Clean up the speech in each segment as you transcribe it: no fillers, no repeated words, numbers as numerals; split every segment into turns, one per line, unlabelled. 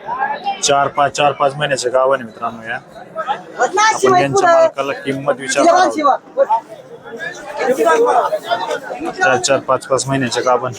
4-5 महिन्याचे गावाने मित्रांनो या आपण यांच्या मालकाला किंमत विचारणार 4-5 महिन्याचे गाभण.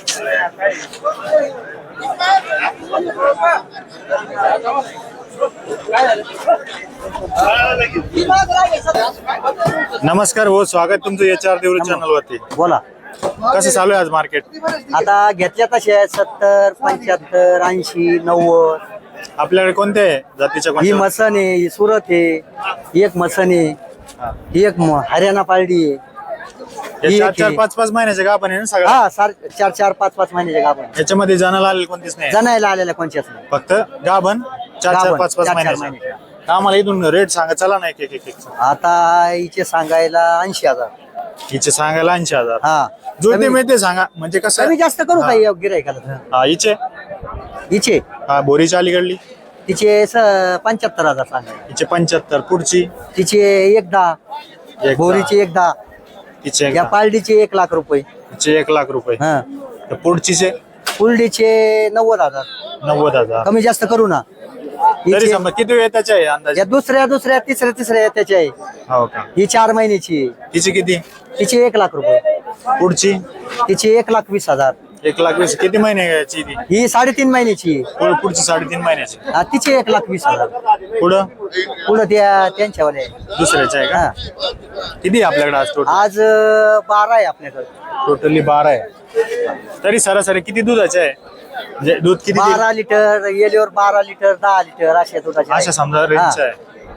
नमस्कार हो, स्वागत तुमचं HR देवरी चॅनल वरती.
बोला.
कसं चालू आहे आज मार्केट?
आता घेतल्या तशा 70, 75, 80, 90.
आपल्याकडे कोणत्या जातीच्या?
ही मसन आहे, ही सुरत आहे, ही एक मसन आहे, ही एक हरियाणा पालडी आहे.
4-5 महिन्याचे गाभण आहे ना सगळं?
हा, 4-5 महिन्याचे गाभण.
याच्यामध्ये जनाला आलेले कोणतीच नाही?
जनायला आलेल्या कोणत्याच नाही,
फक्त गाभण 4-5 महिन्याचे. आम्हाला इथून रेट सांगा चला ना एक.
आता हिचे सांगायला 80,000.
हिचे सांगायला 80,000.
हा,
जुळते मिळते सांगा म्हणजे कसं
कमी जास्त करू काही गिरायकाला.
हा हिचे हा बोरीच्या अलीकडली
तिचे 75,000 सांगायला.
हिचे 75. पुढची
तिचे 1,10,000. बोरीची 1,10,000.
हिचे
या पालडीचे 1,00,000 रुपये.
हिचे 1,00,000 रुपये.
हा,
तर पुढचीचे
पुलडीचे 90,000.
90,000.
कमी जास्त करू ना.
तरी समजा किती वेळ त्याच्या आहे अंदाजे?
या दुसऱ्या तिसऱ्या त्याची आहे.
हो का?
ही 4 महिन्याची आहे.
हिची किती?
तिची 1,00,000 रुपये.
पुढची
तिची 1,20,000.
1,20,000. किती महिने घ्यायची ती?
ही 3.5 महिन्याची आहे.
पुढची 3.5 महिन्याची.
तिची 1,20,000.
पुढं
पुढं त्यांच्यावर आहे.
दुसऱ्याच्या आहे
हा.
का? किती आपल्याकडे आज टोटल?
आज 12 आहे आपल्याकडे.
टोटली 12 आहे. तरी सरासरी किती दुधाचे आहे? म्हणजे दूध किती?
12 लिटर येल्यावर 12 लिटर 10 लिटर अशा दुधाचे
अशा समजा रेंज आहे.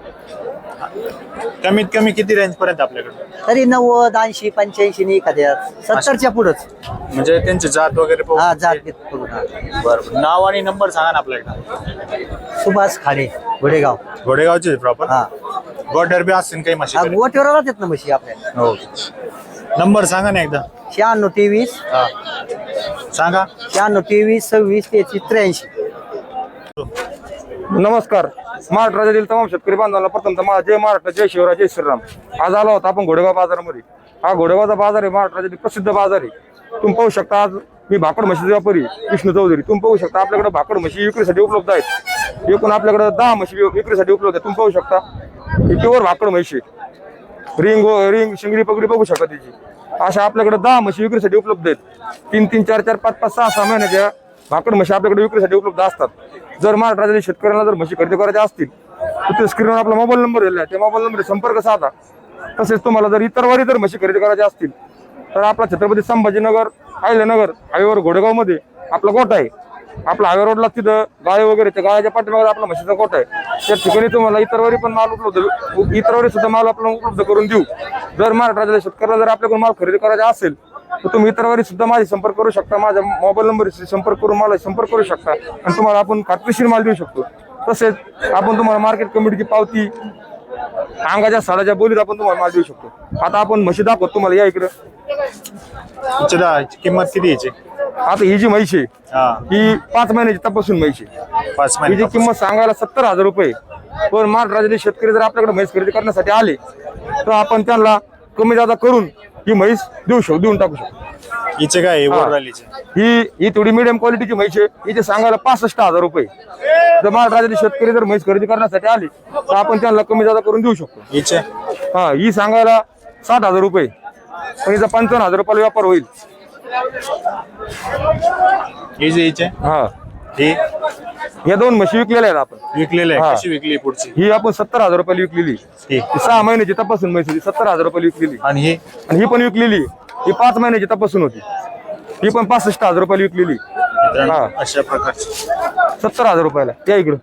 कमीत कमी किती रेंज पर्यंत आपल्याकडे?
तरी 90, 80, 85 नाही एखाद्या 70च्या पुढंच.
म्हणजे त्यांचे जात वगैरे पाहून?
हा, जात घेत करून.
बरं. नाव आणि नंबर सांगा ना आपल्याकडे.
सुभाष खाडे, घोडेगाव.
घोडेगावचे प्रॉपर?
हा.
गोठ्यावर बी असतील काही म्हशी?
गोठ्यावर राहतात ना म्हशी आपल्याला.
हो. नंबर सांगा ना एकदा.
96 23
हा सांगा.
96 23 26 33 83.
नमस्कार. महाराष्ट्र राज्यातील तमाम शेतकरी बांधवांना प्रथमतः जय महाराष्ट्र, जय शिवराय, जय श्रीराम. आज आलो होता आपण घोडेगाव बाजारामध्ये. हा घोडेगावचा बाजार आहे, महाराष्ट्र राज्यातील प्रसिद्ध बाजार आहे. तुम्ही पाहू शकता आज मी भाकड म्हशीचा व्यापारी विष्णू चौधरी. तुम्ही पाहू शकता आपल्याकडे भाकड म्हशी विक्रीसाठी उपलब्ध आहेत. एकूण आपल्याकडे 10 म्हशी विक्रीसाठी उपलब्ध आहेत. तुम्ही पाहू शकता ही प्युअर भाकड म्हशी. रिंग शिंगडी पगडी बघू शकता त्याची. अशा आपल्याकडे 10 म्हशी विक्रीसाठी उपलब्ध आहेत. 3-3, 4-4, 5-5, 6-6 महिन्याच्या भाकड म्हशी आपल्याकडे विक्रीसाठी उपलब्ध असतात. जर महाराष्ट्र राज्यातील शेतकऱ्यांना जर म्हशी खरेदी करायच्या असतील तर ते स्क्रीनवर आपला मोबाईल नंबर दिलेला आहे, त्या मोबाईल नंबर संपर्क साधा. तसेच तुम्हाला जर इतर वारी जर म्हशी खरेदी करायच्या असतील तर आपला छत्रपती संभाजीनगर अहिल्यानगर हायवेवर घोडेगावमध्ये आपला गोठा आहे. आपला हायवे रोडला तिथं गाय वगैरे त्या गायाच्या पाठीमागे आपला म्हशीचा गोठा आहे. त्या ठिकाणी तुम्हाला इतरवारी पण माल इतरवारी सुद्धा माल आपल्याला उपलब्ध करून देऊ. जर महाराष्ट्र राज्यातील शेतकऱ्याला जर आपल्याकडून माल खरेदी करायचा असेल तर तुम्ही इतरवारी सुद्धा माझी संपर्क करू शकता. माझ्या मोबाईल नंबरशी संपर्क करून मला संपर्क करू शकता आणि तुम्हाला आपण खात्रीशीर माल देऊ शकतो. तसेच आपण तुम्हाला मार्केट कमिटीची पावती अंगाच्या साडाच्या बोलीत आपण तुम्हाला माल देऊ शकतो. आता आपण म्हशी दाखवतो तुम्हाला. या इकडं.
किंमत किती याची?
आता ही जी म्हैस आहे ही 5 महिन्याची तपासून म्हैस आहे.
5 महिने.
हिची किंमत सांगायला 70,000 रुपये. पण महाराष्ट्र राज्यातील शेतकरी जर आपल्याकडे म्हैस खरेदी करण्यासाठी आले तर आपण त्यांना कमी जादा करून ही म्हैस देऊन टाकू शकतो.
हिचे काय
ही थोडी मिडियम क्वालिटीची म्हैस आहे. हिचे सांगायला 65,000 रुपये. जर महाराष्ट्र राज्यातील शेतकरी जर म्हैस खरेदी करण्यासाठी आले तर आपण त्यांना कमी जादा करून देऊ शकतो.
हिचे
हा ही सांगायला 60,000 रुपये. पण हिचा 55,000 रुपयाला व्यापार होईल. हा या 2 म्हशी विकलेल्या आहेत आपण.
विकलेल्या आहे? कशी विकली? पुढची
ही आपण 70,000 रुपयाला विकलेली. 6 महिन्याची तपासून म्हैस होती. 70,000 रुपयाला विकलेली.
आणि
ही पण विकलेली. ही 5 महिन्याची तपासून होती. ही पण 65,000 रुपयाला विकलेली.
अशा प्रकारची
70,000 रुपयाला. या इकडं.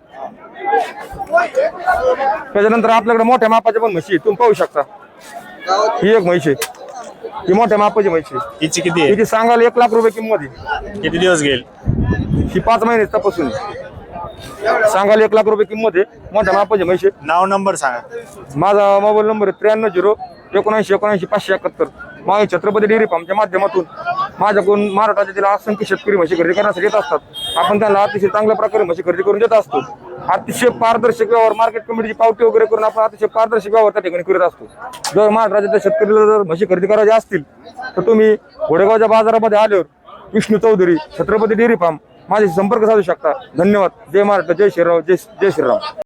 त्याच्यानंतर आपल्याकडे मोठ्या मापाच्या पण म्हशी तुम्ही पाहू शकता. ही एक म्हैस आहे. ही मोठ्या मापाची म्हैस आहे.
हिची किती आहे?
हिची सांगायला 1,00,000 रुपये किंमत आहे.
किती दिवस घेईल?
ही 5 महिने तपासून सांगायला 1,00,000 रुपये किंमत आहे. मोठ्या मापाची म्हैस आहे.
नाव नंबर सांगा.
माझा मोबाईल नंबर आहे 93 079 79 571. माझ्या छत्रपती डेअरी फार्मच्या माध्यमातून माझ्याकडून महाराष्ट्र राज्यातील असंख्य शेतकरी म्हशी खरेदी करण्यासाठी येत असतात. आपण त्यांना अतिशय चांगल्या प्रकारे म्हशी खरेदी करून देत असतो. अतिशय पारदर्शक व्यवहार मार्केट कमिटीची पावती वगैरे करून आपण अतिशय पारदर्शक व्यवहार त्या ठिकाणी करत असतो. जर महाराष्ट्र राज्याच्या शेतकऱ्याला जर म्हशी खरेदी करायच्या असतील तर तुम्ही घोडेगावच्या बाजारामध्ये आल्यावर विष्णू चौधरी छत्रपती डेअरी फार्म माझ्याशी संपर्क साधू शकता. धन्यवाद. जय महाराष्ट्र, जय श्रीराम, जय श्रीराम.